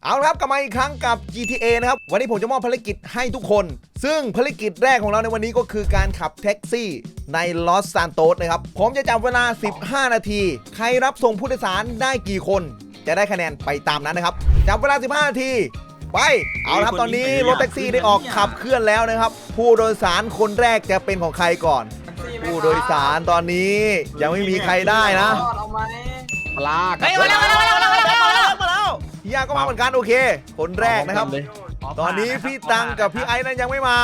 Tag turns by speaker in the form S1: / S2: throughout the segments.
S1: เอาละครับกลับมาอีกครั้งกับ GTA นะครับวันนี้ผมจะมอบภารกิจให้ทุกคนซึ่งภารกิจแรกของเราในวันนี้ก็คือการขับแท็กซี่ในลอสซานโตสนะครับผมจะจับเวลา15นาทีใครรับส่งผู้โดยสารได้กี่คนจะได้คะแนนไปตามนั้นนะครับจับเวลา15นาทีไปเอาละครับตอนนี้รถแท็กซี่ได้ออกขับเคลื่อนแล้วนะครับผู้โดยสารคนแรกจะเป็นของใครก่อนผู้โดยสารตอนนี้ยังไม่มีใครได้นะ
S2: ปลา
S3: เฮ้ยมาแล้ว
S1: พี่ยาก็มาเหมือนกันโอเคคนแรกนะครับตอนนี้พี่ตังกับพี่ไอ้นั้นยังไม่มา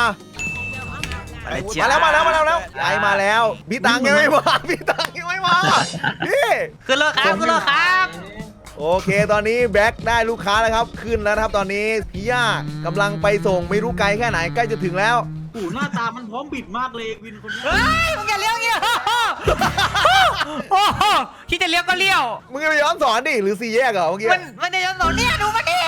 S1: มาแล้วไอ้มาแล้วพี่ตังยังไม่มาพี่ตังยังไม่มาพี่
S3: ขึ้นรถครับ
S1: โอเคตอนนี้แบ็คได้ลูกค้าแล้วครับขึ้นแล้วนะครับตอนนี้พี่ย่ากำลังไปส่งไม่รู้ไกลแค่ไหนใกล้จะถึงแล้ว
S2: โอ้หน้าตามันพร้อมบิดมากเลยวินคนนี้
S3: เฮ้ยมึงอย่าเลี้ยวเงี้ยโอ้โหคิดจะเลี้ยวก็เลี้ยว
S1: มึงจะไปย้อนสอนดิหรือ4แยกเหรอเมื่อกี้
S3: มันจะย้อนสอนเนี่ยดูมันดิ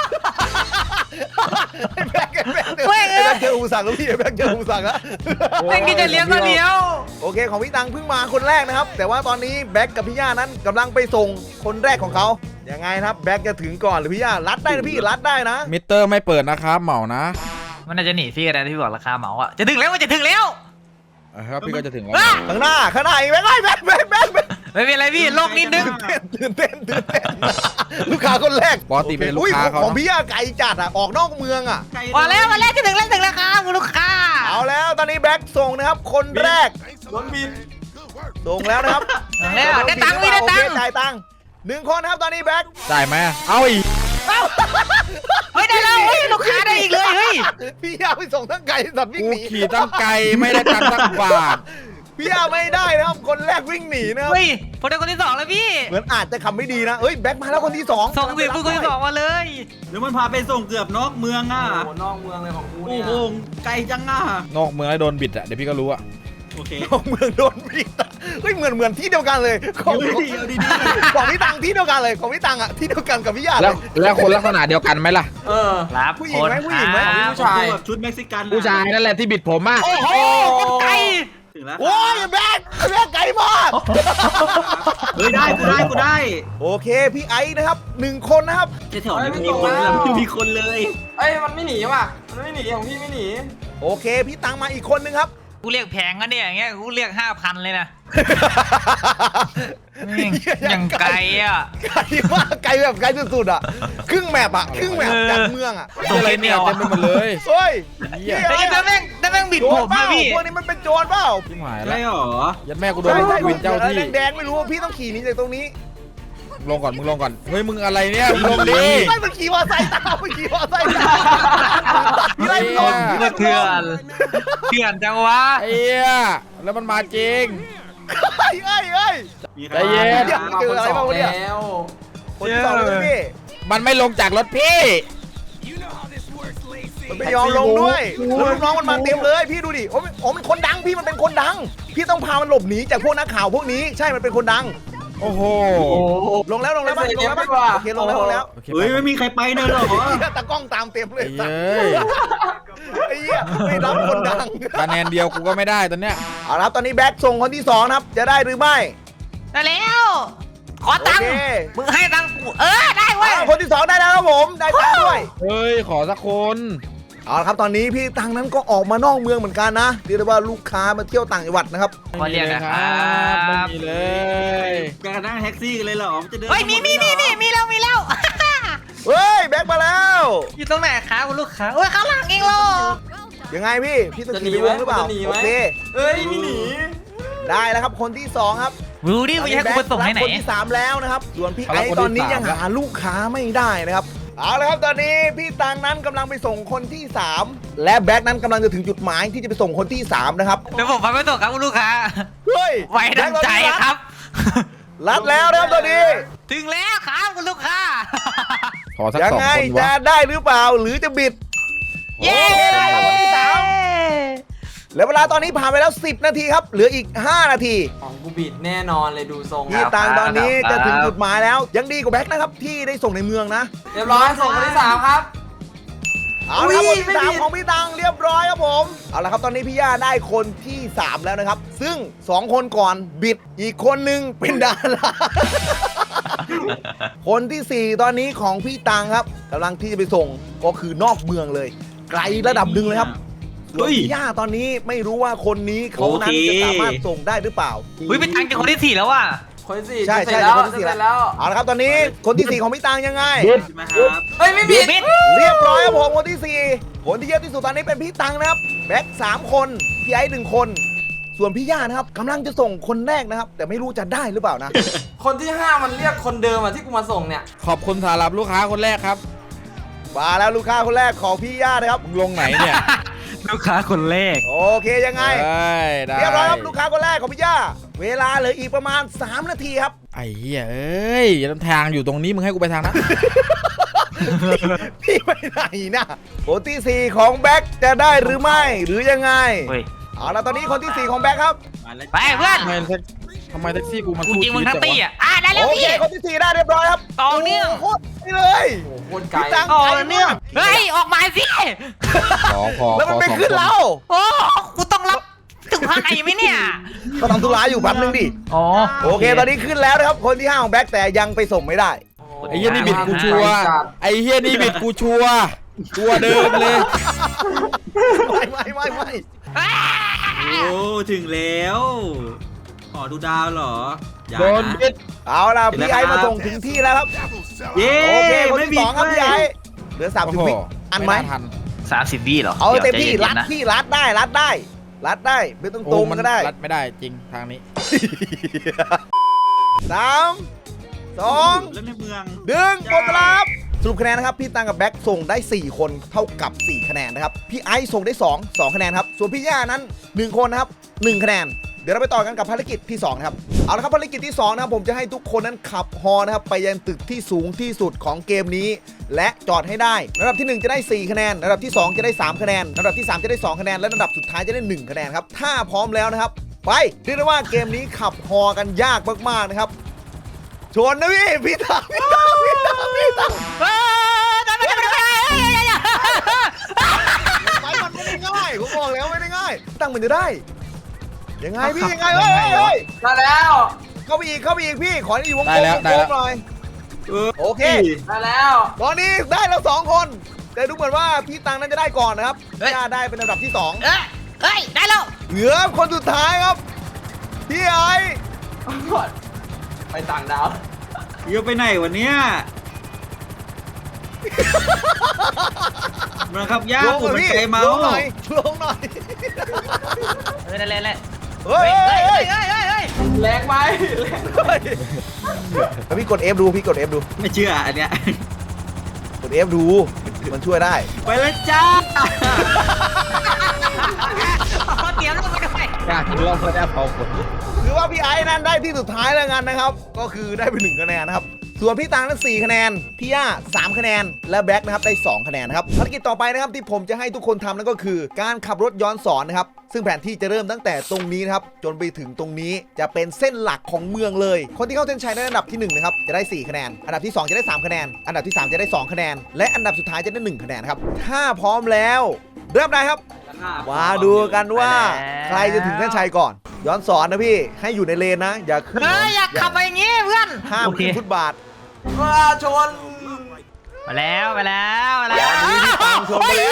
S1: แบ็คเจออุปสรรคแล้วพี่แบ็คเจออุปสรรคแล้ว
S3: มึงคิดจะเลี้ยวก็เลี้ยว
S1: โอเคของพี่ตังเพิ่งมาคนแรกนะครับแต่ว่าตอนนี้แบ็คกับพี่ย่านั้นกำลังไปส่งคนแรกของเขายังไงนะครับแบ็คจะถึงก่อนหรือพี่ย่ารัดได้นะพี่รัดได้นะ
S4: มิเตอร์ไม่เปิดนะครับเหมานะ
S3: มันน่าจะหนีพี่กันนะที่บอกราคาเหมาอ่ะจะถึงแล้วมันจะถึงแล้ว
S4: ครับพี่ก็จะถึงแล้ว
S1: ข้างหน้าอีกแบ็ค
S3: ไม่เป็นไรพี่โลกนิดนึง
S1: ตื่นเต้นลูกค้าคนแรก
S4: ปกติเป็นลูกค้าเขา
S1: ของพี่ย่าไก่จัดอ่ะออกนอกเมืองอ่ะ
S3: มาแล้วจะถึงแล้วครับลูกค้า
S1: เอาแล้วตอนนี้แบ็คส่งนะครับคนแรก
S2: โดนบิน
S1: ส่งแล้วนะครับ
S3: แล้วได้ตังค์พี่ได้ตังค์
S1: จ่ายตังค์1คนครับตอนนี้แบ็ค
S4: จ่ายไหมเอาอีก
S3: เฮ้ยได้แล้วเฮ้ยลูกค้าได้อีกเลยเฮ้ย
S1: พี่ย่าไปส่งทั้งไก่สัตว์วิ่งหนี
S4: ขี่ตั้งไก่ไม่ได้ตังค์ตั้งบาท
S1: พี่ย่าไม่ได้นะครับคนแรกวิ่งหนีนะครับ
S3: เฮ้ยผมได้คนที่2แล้วพี่
S1: เหมือนอาจจะคำไม่ดีนะเอ้ยแบ็คมาแล้วคนที่2
S3: ส่งสิคนที่2มาเลย
S2: หรือมันพาไปส่งเกือบนอกเมืองอ่ะ
S5: โอ้นอกเมืองเลยของกูเนี่ย
S2: โอ้โหไกลจังอ่ะ
S4: นอกเมืองแล้วโดนบิดอ่ะเดี๋ยวพี่ก็รู้อ่ะ
S2: โอเคน
S1: อกเมืองโดนบิดเฮ้ยเหมือนที่เดียวกันเลยของพี่ตังที่เดียวกันเลยของพี่ตังอ่ะที่เดียวกันกับพี่ย่า
S4: แล้วคนลักษณะเดียวกันไหมล่ะ
S3: ครับ
S1: ผู้หญิงไหมผู้
S2: ชายแบบชุดเม็กซิกัน
S4: ผู้ชายนั่นแหละที่บิดผมอ่ะ
S3: โอ้โหไกล
S2: ถึงแล้ว
S1: โอ้ยแบ็คไกลมาก
S2: เฮ้ยได้กูได้
S1: โอเคพี่ไอ้นะครับ1คนนะครับ
S2: แถวนี้มีคนเลยมีคนเลย
S5: เอ้ยมันไม่หนีว่ะมันไม่หนีของพี่ไม่หนี
S1: โอเคพี่ตังมาอีกคนนึงครับ
S3: กูเรียกแพงกันเนี่ยอย่างเงี้ยกูเรียก 5,000เลยนะยังไกลอ่ะ
S1: ไกลมากไกลแบบไกลสุดๆอ่ะครึ่งแมปจากเมืองอ่ะ
S4: อะไรเนี่ยเต็มไปหมดเลย
S1: เฮ้ย
S3: แต่แม่งบิดผมนะพี่
S1: พวกนี้มันเป็นโจรเปล่า
S4: พี่หมาย
S2: แล้วหรอ
S4: ยัดแม่กูโดนวินเจ้าที่
S1: แดงไม่รู้พี่ต้องขี่หนีจากตรงนี้
S4: ลงก่อนมึงลงก่อนเฮ้ยมึงอะไรเนี่ยมึงลงดิ
S1: ไม่มันขี่มอไซค์ตามมันขี่มอไซค์ตามพี่ไล่ลง
S3: เถื่อนจังวะ
S4: ไอ้เหี้ยแล้วมันมาจริง
S1: เฮ้ย
S4: ใจเย็น
S1: เจออะไรบ้างวะเนี่ยคนที่2เลยพี่
S4: มันไม่ลงจากรถพี่
S1: มันไม่ยอมลงด้วยลูกน้องมันมาเต็มเลยพี่ดูดิโอ้มันคนดังพี่มันเป็นคนดังพี่ต้องพามันหลบหนีจากพวกนักข่าวพวกนี้ใช่มันเป็นคนดัง
S4: โอ้โห
S1: ลงแล้วโอเคลงแล้ว
S2: เฮ้ยไม่มีใครไปเนอะหรอ
S1: ตากล้องตามเต็มเลยไอ้เหี้ยไม่รับคนดัง
S4: คะแนนเดียวกูก็ไม่ได้ตอนเนี้ย
S1: เอาละตอนนี้แบ็คส่งคนที่2ครับจะได้หรือไม่
S3: ได้แล้วขอตังค์มึงให้ตังค์กูได้เว้ย
S1: คนที่2ได้แล้วครับผมได้ตังค์ด้วย
S4: เฮ้ยขอสักคน
S1: เอาละครับตอนนี้พี่ตังนั้นก็ออกมานอกเมืองเหมือนกันนะเรียกได้ว่าลูกค้ามาเที่ยวต่างจังหวัดนะครับ
S3: มาเรียกนะครับ
S4: ไม่มีเลย
S2: การนั่งแท็กซี่กันเลยเหรอจะเดิน
S3: เฮ้ยมีแล้ว
S1: เฮ้ยแบ็คมาแล้ว
S3: อยู่ตรงไหนครับคุณลูกค้าข้างหลังเองหรอ
S1: ยังไงพี่ต้องขี่ไปวงหรือเปล่าโอเค
S5: เฮ้ยไม่หนี
S1: ได้แล้วครับคนที่2ครับ
S3: ดูดิว่าจะให้กูไปส่งให้ไหน
S1: คนที่3แล้วนะครับส่วนพี่ไอ้ตอนนี้ยังหาลูกค้าไม่ได้นะครับเอาละครับตอนนี้พี่ตังนั้นกำลังไปส่งคนที่3และแบ็คนั้นกำลังจะถึงจุดหมายที่จะไปส่งคนที่3นะครับ
S3: เดี๋ยวผมพาไปส่งครับคุณลูกค้า
S1: เฮ้ย
S3: ไว้ดังใจครับ
S1: รัดแล้วนะครับตอนนี้
S3: ถึงแล้วครับคุณลูกค้า
S4: ขอสัก
S1: ยังไงจะได้หรือเปล่าหรือจะบิด
S3: เย้
S1: ได้คนที่3แล้วเวลาตอนนี้ผ่านไปแล้ว10นาทีครับเหลืออีก5นาที
S5: ของกูบิดแน่นอนเลยดูทรง
S1: พี่ตังตอนนี้จะถึงจุดหมายแล้วยังดีกว่าแบ็คนะครับที่ได้ส่งในเมืองนะ
S5: เรียบร้อยส่งคนที่3ครับ
S1: เอาละครับคนที่3ของพี่ตังเรียบร้อยครับผมเอาละครับตอนนี้พี่ย่าได้คนที่3แล้วนะครับซึ่ง2คนก่อนบิดอีกคนนึงเป็นดาราคนที่ 4 ตอนนี้ของพี่ตังครับกำลังที่จะไปส่งก็คือนอกเมืองเลย ไกลระดับหนึ่งเลยครับส่วนพี่ย่าตอนนี้ไม่รู้ว่าคนนี้เขานั้นจะสามารถส่งได้หรือเปล่า
S3: เฮ้ยเป็นตังค์จากคนที่ 4 แล้วว่ะ
S5: คนที่สี่
S1: ใช่
S5: จะเสร็จแล้ว
S1: คนที่
S5: จะ
S1: สี่
S5: เสร็จแล้ว
S1: เอาละครับตอนนี้คนที่ 4 ของพี่ตังยังไง
S2: ใช่ไหมครับ
S5: เฮ้ยไม่บิด
S3: บิด
S1: เรียบร้อยครับผมคนที่ 4 คนที่เยอะที่สุดตอนนี้เป็นพี่ตังนะครับแบ็ค3 คนพี่ไอ้1 คน ส่วนพี่ย่านะครับกำลังจะส่งคนแรกนะครับ แต่ไม่รู้จะได้หรือเปล่านะ
S5: คนที่ 5 มันเรียกคนเดิมอ่ะที่กูมาส่งเนี่ย
S4: ขอบคุณสำหรับลูกค้าคนแรกครับ
S1: มาแล้วลูกค้าคนแรกของพี่ย่านะครับ
S4: มึงลงไหนเนี่ย
S3: ลูกค้าคนแรก
S1: โอเคยังไง
S4: ได้
S1: เรียบร้อยครับลูกค้าคนแรกของพี่ย่าเวลาเหลืออีกประมาณ3 นาทีครับ
S4: ไอ้เหี้ยเอ้ยทางอยู่ตรงนี้มึงให้กูไปทางนั้น
S1: พี่ไปไหนนะคนที่ 4 ของแบ็คจะได้หรือไม่หรือยังไง
S3: เฮ้ย
S1: เอาละตอนนี้คนที่ 4 ของแบ็คครับ
S2: มาแล้ว
S3: ไปเพื่อน
S4: ทำไมแท็กซี่กูมัน
S3: กู
S4: สู้
S3: จริงมึงทั้ง
S4: ชี
S3: ตี
S4: วิตจัวะ
S3: อ่ะได้แล้ว
S1: โอเค
S3: พี่
S1: คนที่ 4 ได้เรียบร้อยครับ
S3: ต่อเนื่อง
S1: โคตรไปเลย
S5: โอ้โหโคตรไกล
S1: พี่ตัง
S3: ต่อ
S1: ไกล
S3: เนื่อง
S1: มาก
S3: เฮ้ยออกมาสิ
S4: พอ
S1: แล้วมันไม่
S4: ขอ
S1: ขึ้น
S4: สอง
S1: เรา
S3: โอ้กูต้องรับถึงภายในไหมเนี่ย
S1: ก็ทำธุระอยู่แป๊บนึงดิ
S3: อ๋อ
S1: โอเค ตอนนี้ขึ้นแล้วนะครับคนที่ 5 ของแบ็คแต่ยังไปส่งไม่ได้
S4: ไอ้เหี้ยนี่บิดกูชัวร์ไอ้เหี้ยนี่บิดกูชัวร์ตัวเดิมเลย
S1: ไม่
S2: โอ้ถึงแล้วขอดูดาวเหรออย่า
S4: โดน
S2: นะ
S4: บิด
S1: เอาล่ะพี่ไอ้มาส่งถึงที่แล้วครับ
S2: เย้
S1: โอเคคน
S2: ไม่
S1: ที่
S2: บิ
S1: 2
S2: ด
S1: ครับ
S2: เว้
S1: พี่
S2: ย
S1: ไอ้เหลือ30 วิอันไหม
S4: ทัน
S3: 30 วิเหรอ
S1: เอาเต็มที่
S3: ดี๋ยว
S1: รัด
S3: ใจย็นๆนะ
S1: พี่รัดได้รัดได้ไม่ต้องตรงก็ได้
S4: รัดไม่ได้จริงทางนี้
S1: 3 2
S2: แล้วในเมือง
S1: 1หมดเวลาครับสรุปคะแนนนะครับพี่ตังกับแบ็คส่งได้4 คนเท่ากับ4 คะแนนนะครับพี่ไอซ์ส่งได้2คะแนนครับส่วนพี่ย่านั้น1 คนนะครับ1 คะแนนเดี๋ยวเราไปต่อกันกับภารกิจที่2นะครับเอาละครับภารกิจที่2นะครับผมจะให้ทุกคนนั้นขับฮอนะครับไปยังตึกที่สูงที่สุดของเกมนี้และจอดให้ได้ระดับที่1จะได้4 คะแนนระดับที่2จะได้3 คะแนนระดับที่3จะได้2 คะแนนและระดับสุดท้ายจะได้1 คะแนนครับถ้าพร้อมแล้วนะครับไปเรียกได้ว่าเกมนี้ขับฮอกันยากมากๆนะครับชนนะพี่ตัง
S3: เฮ้ยได้ไม่ได้
S1: ไปมันไม่ได้ง่ายผมบอกแล้วไม่ได้ง่ายตั้งมันจะได้ยังไงพี่ยังไงเฮ้ย
S5: ได้แล้ว
S1: เข้าไปอีกพี่ขอให้อยู่วงกล
S4: ได้
S1: ม
S4: แล้ว
S1: วง
S4: ได้
S1: กล
S4: แล้
S1: ม
S4: ว
S1: หน่อย โอเค
S5: ได้แล้ว
S1: ตอนนี้ได้แล้ว2 คนแต่ดูเหมือนว่าพี่ตังนั้นจะได้ก่อนนะครับย่าได้เป็นอันดับที่2
S3: เฮ้ยได้แล้ว
S1: เหลือคนสุดท้ายครับพี่ไอ
S5: ไปต่างดาว
S2: เยอะไปไหนวันเนี้ยมาครับย่า
S1: ลง
S2: ผม
S1: หน่อย
S2: เป็น
S1: พี่
S2: ใจเมา
S1: ลงหน่อย
S3: เฮ้ยนั่นแหละ
S1: เฮ้ย
S5: แรงไหมแรง
S1: แล้วพี่กด F ดูพี่กด F ดู
S2: ไม่เชื่ออันเนี้ย
S1: กด F ดูมันช่วยได้
S2: ไปแล้วจ้า
S3: เตรียมลงไปด้วย
S4: อยากลองเพื่อได้เผาคน
S1: คือว่าพี่ไอ้นั้นได้ที่สุดท้ายแล้วกันนะครับก็คือได้ไป1 คะแนนนะครับส่วนพี่ตังนั้น4 คะแนนพี่ย่า3 คะแนนและแบ็คนะครับได้2 คะแนนนะครับภารกิจต่อไปนะครับที่ผมจะให้ทุกคนทำนั่นก็คือการขับรถย้อนสอนนะครับซึ่งแผนที่จะเริ่มตั้งแต่ตรงนี้นะครับจนไปถึงตรงนี้จะเป็นเส้นหลักของเมืองเลยคนที่เข้าเส้นชัยในอันดับที่1นะครับจะได้4 คะแนนอันดับที่2จะได้3 คะแนนอันดับที่3จะได้2 คะแนนและอันดับสุดท้ายจะได้1 คะแนนครับถ้าพร้อมแล้วเริ่มได้ครับมาดูกันว่าใครจะถึงเส้นชัยก่อนย้อนสอนนะพี่ให้อยู่ในเลนนะอย่าขึ้น
S3: เฮ้ยอยากขับไปอย่างงี้เพื่อน
S1: ห้าม
S3: โอเค
S1: ขึ้นฟุตบาท
S5: ว่าชน
S3: มาแล้วมาแล้วมาแล้ว
S1: ตามชมไปแล้ว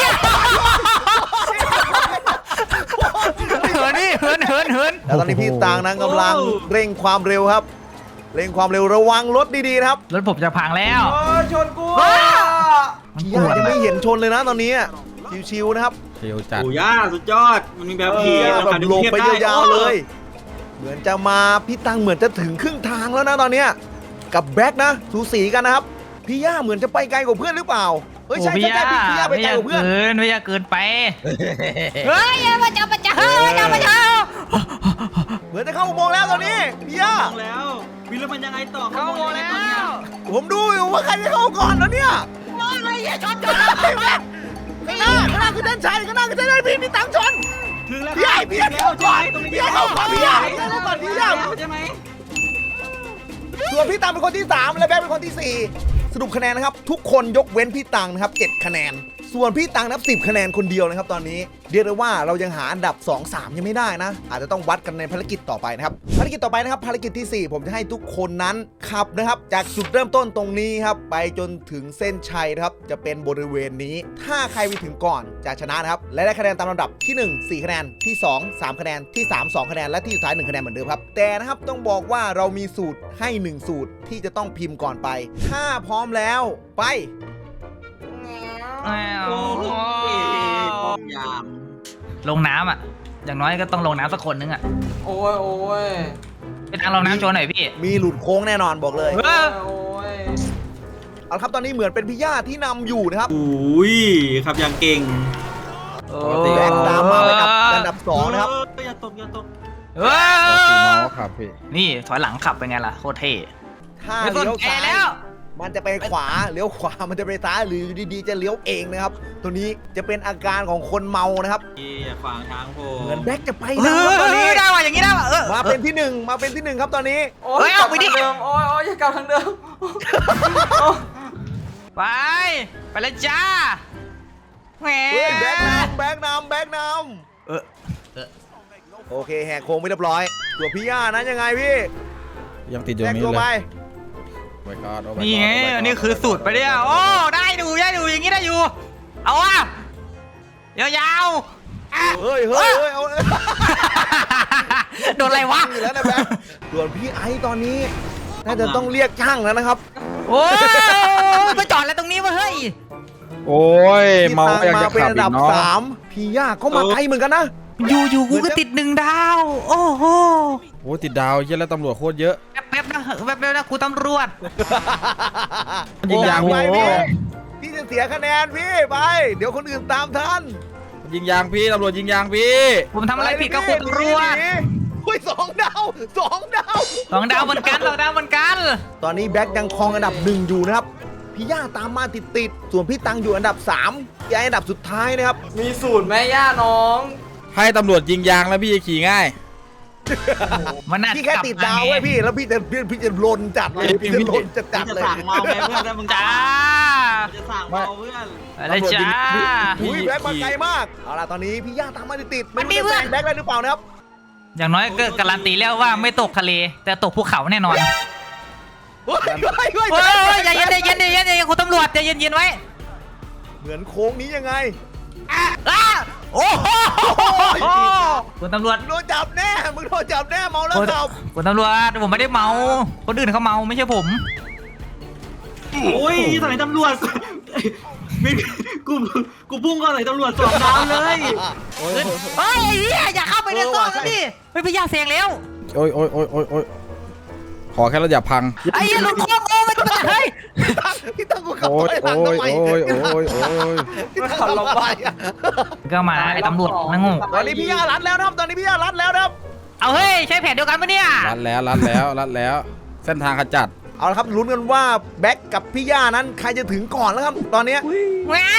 S3: เหินนี่เหิน
S1: แล้วตอนนี้พี่ตางนั้นกำลังเร่งความเร็วครับ เร่งความเร็วระวังรถดีๆนะครับ
S3: รถผมจะพังแล้ว
S5: ชนกู
S1: พี่ย่ายังไม่เห็นชนเลยนะตอนนี้ชิวๆนะครับ
S4: เชียวจัด
S2: โอ้ย่าสุดยอดมันมีแบบขี่
S1: แบบลงไปยาวๆเลย เหมือนจะมาพี่ตังเหมือนจะถึงครึ่งทางแล้วนะตอนเนี้ยกับแบ็คนะสูสีกันนะครับพี่ย่าเหมือนจะไปไกลกว่าเพื่อนหรือเปล่าเฮ้ยใช่พี่ย่าไปไกลกว่าเพื่อน
S3: ไม่อยากเกินไปเฮ้ยมาเจ้าเฮ้ยมาเจ้า
S1: เหมือนจะเข้าอุโมงค์แล้วตอนนี้พี่ย่า
S2: ลงแล้ววิลแล้วมันยังไงต่อ
S3: เข้าโมแล้ว
S1: ผมดูอยู่ว่าใครจะเข้าก่อนแล้วเนี่ย
S3: อะไรเนี่ยชน
S1: ข้างหน้าคือเส้นชัยข้างหน้าคือเส้นชัยพี่ตังชน
S2: ถึงแล้ว
S1: พี่ไอ้เข้าก่อนพี่เข้าก่อนพี่ไอ้เข้าก่อนพี่ไอ้
S2: ใช่ไหม
S1: ส่วนพี่ตังเป็นคนที่3และแบ๊กเป็นคนที่4สรุปคะแนนนะครับทุกคนยกเว้นพี่ตังนะครับ7 คะแนนส่วนพี่ตังนับ10 คะแนนคนเดียวนะครับตอนนี้เรียกได้ว่าเรายังหาอันดับ 2-3 ยังไม่ได้นะอาจจะต้องวัดกันในภารกิจต่อไปนะครับภารกิจต่อไปนะครับภารกิจที่ 4 ผมจะให้ทุกคนนั้นขับนะครับจากจุดเริ่มต้นตรงนี้ครับไปจนถึงเส้นชัยนะครับจะเป็นบริเวณนี้ถ้าใครไปถึงก่อนจะชนะนะครับและได้คะแนนตามลำดับที่ 1 4 คะแนนที่ 2 3 คะแนนที่ 3 2 คะแนนและที่สุดท้าย1 คะแนนเหมือนเดิมครับแต่นะครับต้องบอกว่าเรามีสูตรให้1สูตรที่จะต้องพิมพ์ก่อนไปถ้าพร้อมแล้วไป
S3: อ้าว
S2: โอ้ยป้อมยาม
S3: ลงน้ำอ่ะ อย่างน้อยก็ต้องลงน้ำสักคนนึงอ่ะ
S5: โอ้ยโอ้ย
S3: ไปทางลงน้ำโชว์หน่อยพี่
S1: มีหลุดโค้งแน่นอนบอกเลย
S3: เออ
S5: โอ้ย
S1: เอาละครับตอนนี้เหมือนเป็นพี่ย่าที่นำอยู่นะครับ
S2: อุ้ยขับอย่างเก่ง
S4: ปกติ
S1: แบงค์ตามมาเป็นอันดับ2นะครับ
S2: อย่าตกอย่าตก
S3: เอ
S4: ปกติเมา
S3: อ
S4: ครับพี่
S3: นี่ถอยหลังขับเป็นไงล่ะโคตรเท่
S1: ถ้า
S3: ไม่สน
S1: เลี้ยว
S3: ใจ
S1: ซ้าย
S3: แล้ว
S1: มันจะไปขวาเลี้ยวขวามันจะไปซ้ายหรืออยู่ดีๆจะเลี้ยวเองนะครับ ตัวนี้จะเป็นอาการของคนเมานะครับ
S2: อย่าฝังทางผม
S1: เหมือนแบ็คจะไป
S3: เอ
S1: นะครับตอนนี้
S3: อได้ว่ะอย่างนี้ได้ว่ะเออ
S1: มาเป็นที่ 1มาเป็นที่ 1ครับตอนนี้
S5: โอ้
S3: เฮ้
S5: ย
S3: ย
S5: กลั
S3: เอา
S5: บ
S3: ไปดิ
S5: ทางเดิมโอ้ยโอ้ยอย่ากลับทางเดิมโอ้
S3: ไปไปเลยจ้าแหม
S1: เฮ้ยแบ็คนำแบ็คนำแบ็คน
S3: เออ
S1: ำโอเคแหกโค้งไปเรียบร้อยตัวพี่ย่านั้นยังไงพี่
S4: ยังติดอยู่
S1: แทรก
S4: นี้
S1: ตัว
S4: เล
S1: ไป
S4: ยโอ้ my god โอ้ my god
S3: นี่ไง
S4: โ my god
S3: อันนี้คือสูตรไปเนี่ยโอ้ได้ดูอย่างนี้ได้อยู่ เอาว่ะยาวๆอ่ะ
S1: เฮ้ยเฮ้ยเฮ้ยเอา
S3: โดนอะไรวะ
S1: อยู่แล้วนะแบ็คส่วนพี่ไอซ์ตอนนี้น่าจะต้องเรียกช่างแล้วนะครับ
S3: โอ้ยไปจอดอะไรตรงนี้วะเฮ้ย
S4: โอ้ย
S1: พี่
S4: เมา
S1: ตัง
S4: ก็ยัง
S1: มา
S4: จะ
S1: เป็น
S4: ขับ
S1: อัน
S4: อี
S1: ดับ
S4: กเนาะ
S1: 3พี่ย่าก็มาไกลเหมือนกันนะ
S3: อยู่กูก็ติด1 ดาว โอ้โห
S4: โอ้ติดดาวเยอะแล้วตำรวจโคตรเยอะ
S3: แป๊บนะแป๊บนะครูตำรวจ
S4: ยิงยาง
S1: ไป
S4: พี่
S1: พี่จะเสียคะแนนพี่ไป เดี๋ยวคนอื่นตามทัน
S4: ยิงยางพี่ตำรวจยิงยางพี่
S3: ผมทำอะไรผิดกับครูตำรวจ
S1: หนีอุ้ย2 ดาว2 ดาว
S3: 2 ดาวเหมือนกัน2 ดาวเหมือนกัน
S1: ตอนนี้แบ็คยังครองอันดับ 1 อยู่นะครับ พี่ย่าตามมาติดๆส่วนพี่ตังอยู่อันดับ3พี่ไอ้อันดับสุดท้ายนะครับ
S5: มีสูตรแม่ย่าน้อง
S4: ให้ตำรวจยิงยางแล้วพี่จะขี่ง่าย
S3: มันน่า
S1: พี่แค่ติดดาวไว้พี่แล้วพี่จะลนจัดเลยพี่จะลนจัด
S2: จะ
S1: เลย
S2: สั่งเมาไหมเพื่อนถ้ามึง
S3: จ้า
S2: จะสั่งเมาเพื่อน
S3: อะไรจ้า
S1: อุ้ยแบ็คมาไกลมากเอาล่ะตอนนี้พี่ย่าตามมาติดๆ
S3: มันมี
S1: รู้จะ
S3: เพื่
S1: แซ
S3: อน
S1: งแบ็คได้หรือเปล่านะครับ
S3: อย่างน้อยก็การันตีแล้วว่าไม่ตกทะเล แต่ตกภูเขาแน่นอน
S1: เฮ้ยเฮ้ยเฮ้ย
S3: เฮ้ยใจเย็นครูตำรวจใจเย็นไว้
S1: เหมือนโค้งนี้ยังไง
S3: อ้าโอ้โหคุณตำรวจ
S1: มึงโดนจับแน่มึงโดนจับแน่เมาแล้วขับ
S3: คุณตำรวจผมไม่ได้เมา คนอื่นเขาเมาไม่ใช่ผม
S2: โอ้ยสมัยตำรวจไม่กูพุ่งเข้าใส่ตำรวจ2 ดาวเลย
S3: เฮ้ยอย่าเข้าไปในซอกนะดิเฮ้ยพี่ยาเสียงแล้ว
S4: โอ้ยโอ้ยโอ้ยโอ้ยโอ้ยขอแค่เราอย่าพัง
S3: ไอ้ยันหลุดโค้งโอ้มันจะเฮ้ย
S1: พี่ตั้งกูขับ
S4: โอ้
S1: ถ
S4: ย
S1: อยหลัง
S4: โอ้ย
S1: ทำไม
S4: โอ้ยโอ้ยโอ้ย
S1: พี่ตั้งขับลงไปอะ
S3: ก็มาไอ้ตำรวจนั่งงง
S1: ตอนนี้พี่ย่ารัดแล้วนะครับตอนนี้พี่ย่ารัดแล้วนะครับ
S3: เอาเฮ้ยใช่แผนเดียวกันปะเนี่ย
S4: รัดแล้วรัดแล้วรัดแล้ว เส้นทางขจัด
S1: เอาละครับลุ้นกันว่าแบ็คกับพี่ย่านั้นใครจะถึงก่อนแล้วครับตอนนี้
S3: งาน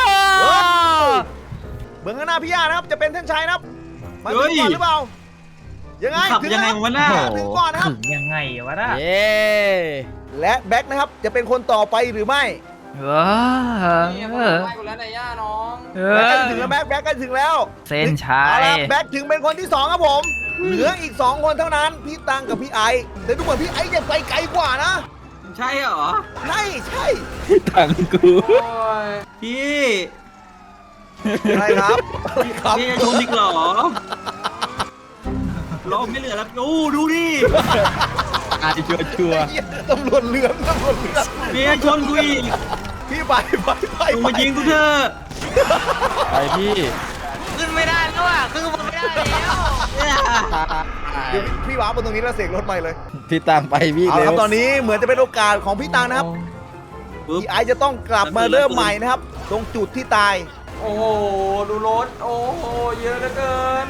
S1: เบื้องข้างหน้าพี่ย่านะครับจะเป็นเส้นชัยนะครับมาถึงก่อนหรือเปล่ายังไง
S2: ขับ
S1: ถึง
S2: ยังไง
S1: แล้ว
S2: วะหน้า
S1: ถึงก่อนนะครับ
S3: ถึงยังไงวะน่ะ
S4: เย้
S1: และแบ็คนะครับจะเป็นคนต่อไปหรือไม่
S5: นี่มันไล่กูแล้วนายย่าน้อง
S1: แบ็คใกล้จะถึงแล้วแบ็คใกล้ถึงแล้ว
S3: เส้นชั
S1: เอา
S3: ย
S1: ละแบ็คถึงเป็นคนที่2ครับผมเหลืออีก2 คนเท่านั้นพี่ตังกับพี่ไอซ์แต่ดูเหมือนพี่ไอซ์จะไปไกลกว่านะ
S2: ใช่เหรอ
S1: ใช่ใช่
S4: ถังกู
S5: โอ้ย
S2: พี่
S1: อะไรครับอะไรครับ
S2: พี่จะชนอีกเหรอรอบไม่เหลือแล้วโอ้ดูดิ
S4: อาจจะชัวร์
S1: ไอ้เหี้ยตำรวจเหลืองตำรวจเหลือง
S2: พี่จะชนกูอีก
S1: พี่ไป
S2: มึงมายิงกูเถอะ
S4: ไปพี่
S3: ขึ้นไม่ได้แล้วอ่ะขึ้นบนไม่ได้แล้ว
S1: เดี๋ยวพี่ว้าบนตรงนี้แล้วเสกรถไปเลย
S4: พี่ตังไปพี่
S1: เอาละ
S4: เร็
S1: ครับ
S4: ว
S1: ตอนนี้เหมือนจะเป็นโอกาสของพี่ตังนะครับ
S2: ปึ๊บ
S1: พี่ไอซ์จะต้องกลับมาเริ่มใหม่นะครับ ตรงจุดที่ตาย
S5: โอ้โหดูรถโอ้โหเยอะเหลือเกิน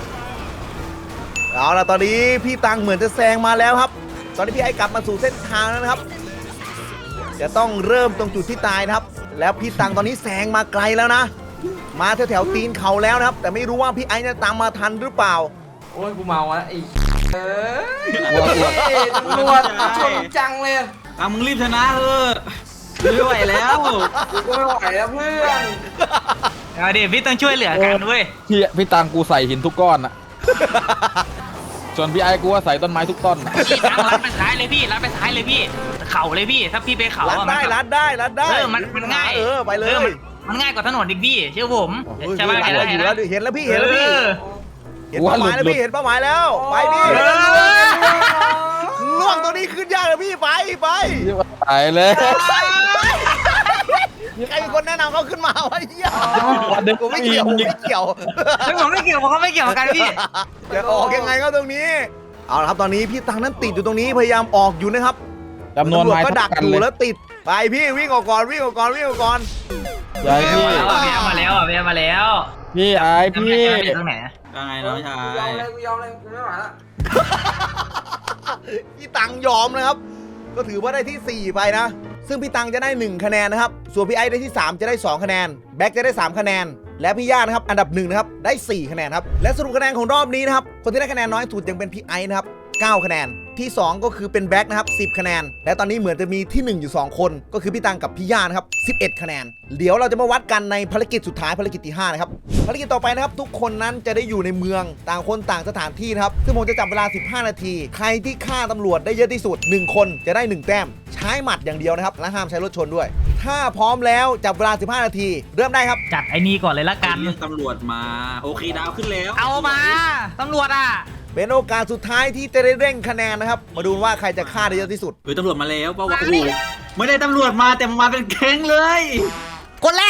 S1: เอาละตอนนี้พี่ตังเหมือนจะแซงมาแล้วครับ ตอนนี้พี่ไอซ์กลับมาสู่เส้นทางแล้วนะครับ จะต้องเริ่มตรงจุดที่ตายนะครับ แล้วพี่ตังตอนนี้แซงมาไกลแล้วนะ มาแถวๆตีนเขาแล้วนะครับ แต่ไม่รู้ว่าพี่ไอซ์จะตามมาทันหรือเปล่า
S5: โอ้ยกูเมาแล้วไอ้เอ้ย
S4: กลัว
S5: ตำรวจชนจังเลย
S2: อ่ะมึงรีบชนะเถอะไม่ไหวแล้ว
S5: กูก็ไม่ไหวแล้วเพื่อน
S3: เอาดิพี่ต้องช่วยเหลือกันด้วย
S4: พี่ตังกูใส่หินทุกก้อนอะส่วนพี่ไอ้กูว่าใส่ต้นไม้ทุกต้นอะ
S3: พี่ทางลัดไปซ้ายเลยพี่ลัดไปซ้ายเลยพี่เข่าเลยพี่ถ้าพี่ไปเข่า
S1: รัด
S3: อะ
S1: ได้
S3: มัน
S1: รัดได้รัดได้
S3: มันง่าย
S1: ไปเลย
S3: มันง่ายกว่าถนนอีกพี่เชื่อผม
S1: โอ้ย
S3: ใช่ไหม
S1: รัดอยู่แล้วเห็นแล้วพี่เห็นแล้วพี่ เห็นเป้าหมายแล้วพี่เห็นเป้าหมายแล้วไปพี่ล่วงตัวนี้ขึ้นยากเลยพี่ไป
S4: ตายเลย
S1: ใครเป็นคนแนะนำเขาขึ้นมาวะเหี้ยกูไม่เกี่ยวผมไม่เกี่ยว
S3: ไม่ผมไม่เกี่ยวผมก็ไม่เกี่ยวกันพี่
S1: จะออกยังไงก็ตรงนี้ เอาละครับตอนนี้พี่ตังนั้นติดอยู่ตรงนี้พยายามออกอยู่นะครับ
S4: จำนวนไม้
S1: ก็
S4: เท่า
S1: ดัก
S4: กัน
S1: อยู่
S4: เลย
S1: แล้วติดไปพี่วิ่งออกก่อนวิ่งออกก่อนวิ่งออกก่อน
S4: ยายพี่
S3: มาแล้วเบียมาแล้ว
S4: พี่ไอ้พี่
S3: ตรงไหน
S2: ยังไงน้องชา
S5: กูยอมเลยกูยอมเลยกูไม่ไหวละ
S1: พี่ตังยอมนะครับ ก็ถือว่าได้ที่ 4 ไปนะ ซึ่งพี่ตังจะได้ 1 คะแนนนะครับ ส่วนพี่ไอซ์ได้ที่ 3 จะได้ 2 คะแนน แบ็คจะได้ 3 คะแนน และพี่ย่านะครับ อันดับ 1 นะครับ ได้ 4 คะแนนครับ และสรุปคะแนนของรอบนี้นะครับ คนที่ได้คะแนนน้อยสุดยังเป็นพี่ไอซ์นะครับ 9 คะแนน ที่ 2 ก็คือเป็นแบ็คนะครับ 10 คะแนน และตอนนี้เหมือนจะมีที่ 1 อยู่ 2 คน ก็คือพี่ตังกับพี่ย่านะครับ 11 คะแนน เดี๋ยวเราจะมาวัดกันในภารกิจสุดท้ายภารกิจที่ 5 นะครับ ภารกิจต่อไปนะครับ ทุกคนนั้นจะได้อยู่ในเมืองต่างคนต่างสถานที่นะครับ ซึ่งผมจะจับเวลา 15 นาที ใครที่ฆ่าตำรวจได้เยอะที่สุด 1 คนจะได้ 1 แต้ม ใช้หมัดอย่างเดียวนะครับ และห้ามใช้รถชนด้วย ถ้าพร้อมแล้วจับเวลา 15 นาที เริ่มได้ครับ
S3: จัดไอ้นี่ก่อนเลยละกัน
S2: เรียกตำรวจมาโอเคดาวขึ้นแล้ว
S3: เอามาตำรวจอ่ะ
S1: เป็นโอกาสสุดท้ายที่จะได้เร่งคะแนนนะครับ มาดูว่าใครจะฆ่าได้เยอะที่สุด
S2: เฮ้ยตำรวจมาแล้วเปล่าวะโอ้โหไม่ได้ตำรวจมาแต่มาเป็นแก๊งเลย
S3: คนแรก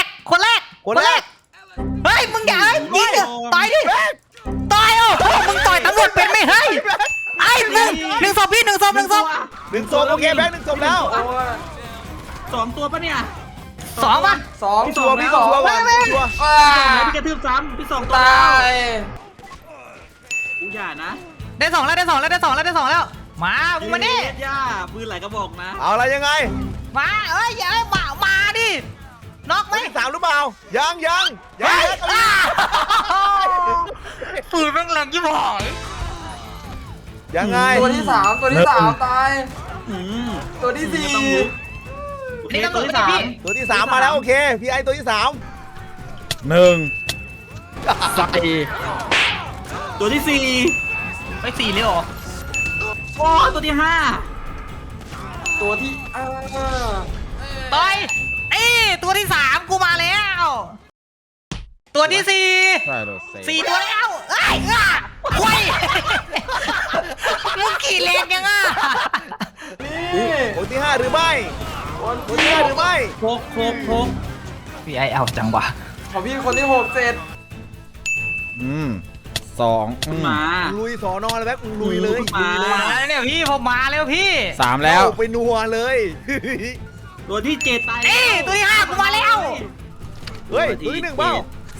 S3: เฮ้ยมึงอย่ายิงดิต่อยดิต่อยมึงต่อยตำรวจเป็นไม่เฮ้ยไอ้หนึ่งศพพี่หนึ่งศพ
S1: 1 ศพโอเคแบงค์1 ศพแล้ว
S5: โอ้ย
S2: 2 ตัวปะเนี่ย
S3: สองป่ะ
S5: สอง
S1: พี่ตัวพี่ตัวก่อนพี่ตัว
S5: ว้า
S2: พี่กระทืบซ้ำพี่2 ตัว
S5: ตา
S2: แล้ว
S5: ย
S2: กูอย่านะ
S3: ได้สองแล้วมามึงมาดิ
S2: ย่าปืนไหลกระบอกนะ
S1: เอาอะไรยังไง
S3: มาเอ้ยอย่ามาดิน็อกไหม
S1: ตัวที่ 3 หรือเปล่า ยัง
S3: ปืนแม่งแรงยิ่งหอย
S1: ยังไง
S5: ตัวที่สามตาย
S2: อืม
S5: ตัวที่สี่
S2: ต้องลุกโอเคตัวที่ 3
S1: ตัวที่ 3 มาแล้วโอเค พี่ไอตัวที่ 3
S4: ใส่
S2: ตัวที่
S3: ไปสี่เลยเหรอ
S2: 4โอ้ตัวที่
S5: ตัวที่
S3: ต่อยตัวที่3กูมาแล้ว ตัวที่4
S4: ใช่เลยเซ่
S3: 4 ตัวแล้วเอ้ยควยมึงขี่แรงยังอ่ะ
S5: นี่
S1: คนที่ 5 หรือไม่
S5: คน
S1: คน
S5: ที่
S1: ที่ 5 หรือไม่
S2: 5โคก
S3: พี่ไอเอาจังวะ
S5: ของพี่คนที่6เสร็จ
S4: 2
S2: มา
S1: ลุยสอนอเลยแบ๊กมึงลุยเลย
S2: มา
S3: มาแล้วเนี่ยพี่ผมมาแล้วพี่
S4: 3 แล้ว
S1: เอาไปนัวเลย
S2: ตัวที่7ตาย
S3: ตัวที่5กูมาแล้ว
S1: เฮ้ยตัวที่ 1 เปล่า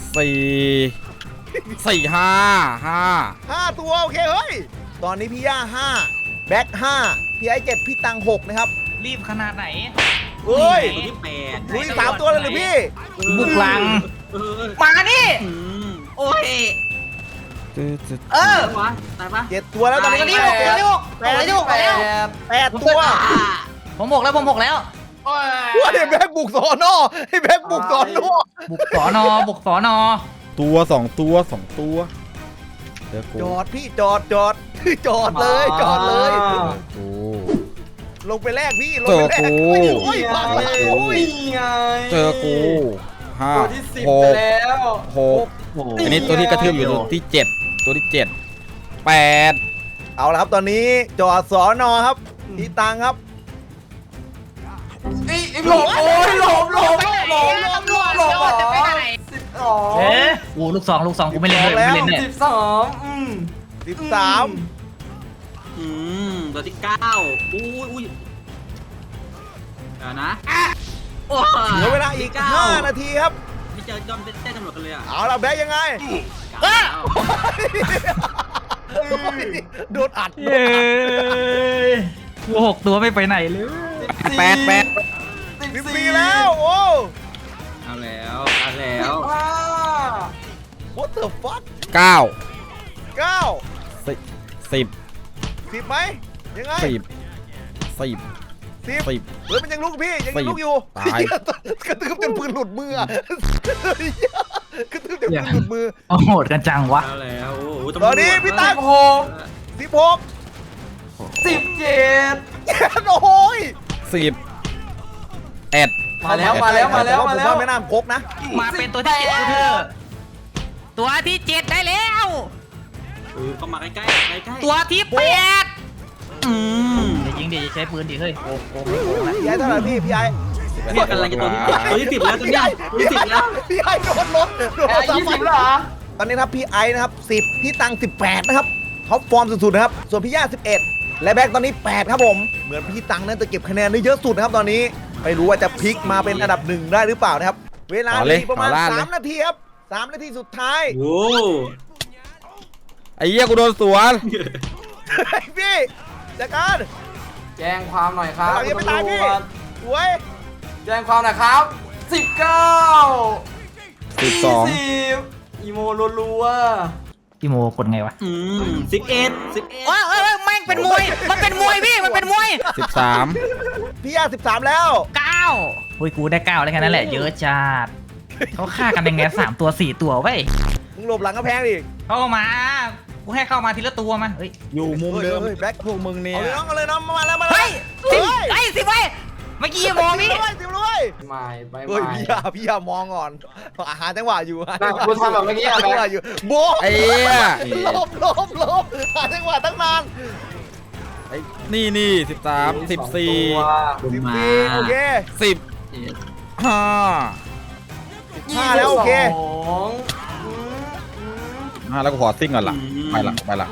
S1: 5 ตัวโอเคเฮ้ย ตอนนี้พี่ย่า 5 แบ็ค 5 พี่ไอ7 พี่ตัง 6 นะครับ
S3: รีบขนาดไหน
S1: เฮ้ย
S2: ตัวที่8
S1: ลุย3 ตัวเลยหรือพี่
S3: บุกลัง มานี่
S2: โอ้ย
S3: เออ
S2: วะตายปะ
S1: 7 ตัวแล้วตอนนี้
S3: ตัวที่6ตัวที่6ตัวที่6แล้ว
S1: 8 ตัว
S3: ผม6แล้ว
S1: ว่าไอ้แบ็คบุกสอนอไอ้แบ็คบุกสอนอ
S3: บุกสอนอ
S4: ตัว 2 ตัว 2 ตัวเดี๋ยวกู
S1: จอดพี่จอดจอดเลยจอดเลย
S4: กู
S1: ลงไปแรกพี่ลงไปแรก
S4: เจอกู
S1: โอ้ยพังแล้วโอ้ย
S5: นี่ไง
S4: เจอกูห้า
S5: ตัวที่10
S4: ห
S5: ไป
S4: ก
S5: แล้ว
S4: 6อันนี้ตัวที่กระทืบอยู่ตัวที่ 7 ตัวที่ 7 8
S1: เอาละครับตอนนี้จอดสอนอครับพี่ตังครับ
S5: หลบโอ้ยหลบ
S3: จะไปไหน
S5: 12
S3: เอ๊ะลูกสองกูไม่เล่นด้วยไม่เล่นเนี่ย
S5: 12
S1: 13
S2: ตัวที่9อุ้ยเดี๋ยวนะโอ้
S1: เหลือเวลาอีก 5 นาทีครับ
S2: ไม่เจอยอมเต้นตำรวจกันเลยอ่ะ
S1: เอาละแบ็คยังไง โดนอัด
S3: เย้กู6 ตัวไม่ไปไหนเลย
S1: 14แล้วโอ้
S2: เอาแล้ว
S1: what the fuck
S4: 9
S1: 9
S4: 10
S1: 10ไหมยังไง
S4: 10
S1: 10
S4: 10
S1: เฮ้ยมันยังลุกพี่ยังลุกอยู่
S4: ตาย
S1: กระตืบจนปืนหลุดมืออะกระตืบจนปืนหลุดมือ
S6: โอ้โหดกันจังวะ
S2: แล้วแล้วโอ้โห
S1: ตอนนี้พี่ตั๊ก
S5: โอ้โห
S1: 16
S5: 17
S1: โอ้ย
S4: 10 เอ็ด
S5: มาแล้วมาแล้วมาแล้วมาแล้ว
S1: ผมว่าไม่น่าพกนะ
S3: มาเป็นตัวที่เจ็ดกูเถอะตัวที่เจ็ดได้แล้ว
S2: เข้ามาใกล้ใกล้
S3: ตัวที่แปด
S6: อย่ายิงดิอย่าใช้ปืนดิเฮ้ยโกงไม่โกงนะ
S1: พี่ไอ้เท่าไหร่พี่ไอ้
S2: เนี่ยกำลังจะตัวที่10แล้วตัวนี้ตัวที่10แล้ว
S1: พี่ไอ้โดนรถโดน
S5: ไอ้
S1: สาม
S5: 20เหรอ
S1: ตอนนี้ครับพี่ไอ้นะครับ10พี่ตัง18นะครับท็อปฟอร์มสุดๆนะครับส่วนพี่ย่า11และแบ็กตอนนี้8ครับผมเหมือนพี่ตังนั้นจะเก็บคะแนนได้เยอะสุดนะครับตอนนี้ไม่รู้ว่าจะพลิกมาเป็นอันดับ1ได้หรือเปล่านะครับเวลาเหลืออีกประมาณ3 นาทีครับ3 นาทีสุดท้าย
S2: โอ้
S4: ไอ้เหี้ยกูโดนสวน
S1: พี่จัดการ
S5: แจ้งความหน่อยครับ
S1: หลังยังไม่ตายพี่
S5: ตำรวจ
S1: สวย
S5: แจ้งความหน่อยครับ19
S4: 12
S5: 20อีโมรัว
S6: พี่โมกดไงวะ
S2: 11
S3: ว้าวแม่งเป็นมวยมันเป็นมวยพี่มันเป็นมวย
S4: 13
S1: พี่ย่า13แล้ว
S3: เก้า
S6: เฮ้ยกูได้9แล้วแค่นั้นแหละเยอะจัดเขาฆ่ากันยังไง3 ตัว 4 ตัวเว้ย
S1: มึงหลบหลังกระแพงดิ
S3: เข้ามากูให้เข้ามาทีละตัวมาเฮ้ย
S4: อยู่มุมเดิม
S1: ฮ้ยแบ็ค
S4: พวกมึงเนี่ย
S1: เอาเลยน้องมาแล้วมาแล้ว
S3: เฮ้ยสิบไว้เมื่อกี้มองพี่
S1: สิบเลย
S5: ๆไม่ไป
S1: เฮ้ย
S5: ไม่
S1: พี่ยามองก่อนหาจังหวะอยู่
S5: น่ะกูทำแบบเมื่อกี้อะ
S1: หาจังหวะอยู่โบะ
S4: ไอ้เหี้ย
S1: ลบหาจังหวะตั้งนาน
S4: ไอ้นี่13 14
S1: 14โอเค
S4: 10
S1: 5แล้วโอเค
S4: 5แล้วกูขอซิ่งก่อนล่ะไปละ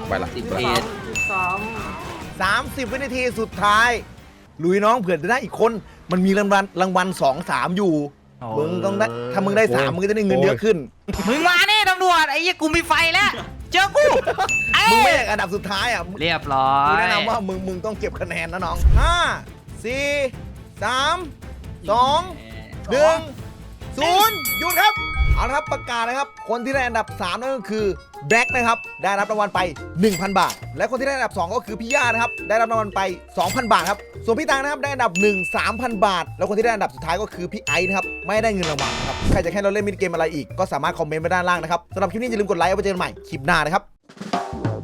S1: 30 วินาทีสุดท้ายลุยน้องเผื่อจะได้อีกคนมันมีรางวัล2 3อยู่มึงต้องได้ถ้ามึงได้3มึงก็จะได้เงินเยอะขึ้น
S3: มึงมาเนี่ยตำรวจไอ้ยี่กูมีไฟแล้วเจอกูไอ้
S1: มึงไม่อยากอันดับสุดท้ายอ่ะ
S3: เรียบร้อ
S1: กู
S3: ย
S1: แนะนำว่ามึงต้องเก็บคะแนนนะน้อง5 4 3 2 1 0หยุดครับเอาละครับประกาศนะครับคนที่ได้อันดับ3นั่นก็คือแบล็กนะครับได้รับรางวัลไป 1,000 บาท และคนที่ได้อันดับ2ก็คือพี่ย่านะครับได้รับรางวัลไป 2,000 บาทครับส่วนพี่ตังนะครับได้อันดับ1 3,000 บาท แล้วคนที่ได้อันดับสุดท้ายก็คือพี่ไอซ์นะครับไม่ได้เงินรางวัลนะครับใครจะให้เราเล่นมินิเกมอะไรอีกก็สามารถคอมเมนต์ไว้ด้านล่างนะครับสำหรับคลิปนี้อย่าลืมกดไลค์เอาไว้เจอกันใหม่คลิปหน้านะครับ